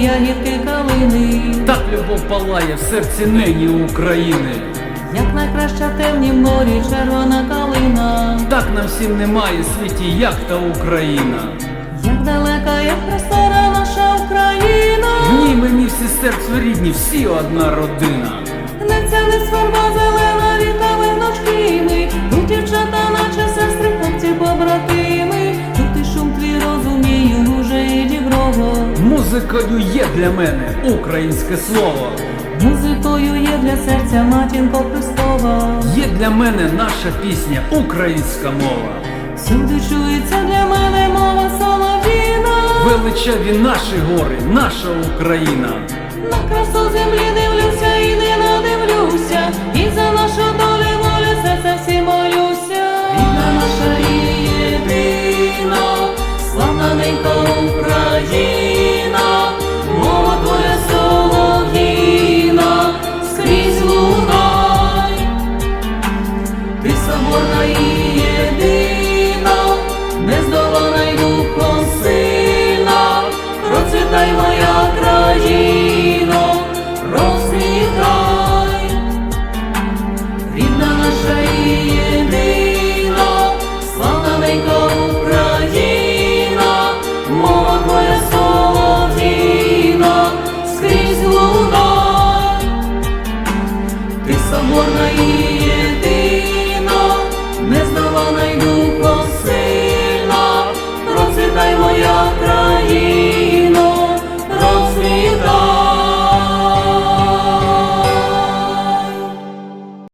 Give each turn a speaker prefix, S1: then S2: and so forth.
S1: ягідки калини.
S2: Так любов палає в серці нині України.
S1: Як найкраща в темнім морі червона калина.
S2: Так нам всім немає в світі, як та Україна.
S1: Як далека, як простора наша Україна.
S2: В ній мені всі серцю рідні, всі одна родина.
S1: Гнеться не сверба зелена, вітами внучки ми. Тут дівчата, наче сестри, хлопці побратими. Тут і шум твій розумію, уже і діброго.
S2: Музикою є для мене українське слово.
S1: Музикою є для серця матінко Христова.
S2: Є для мене наша пісня, українська мова.
S1: Всюди чується для мене мова солов'їна.
S2: Величаві наші гори, наша Україна.
S1: На красу землі дивлюся і не надивлюся. І за нашу долю і волю серця всі молюся. Рідна наша і єдина, славна ненька Україна. Мова твоя солов'їна, скрізь лунай. Ти соборна і єдина, нездолана й духом сильна. Процвітай моя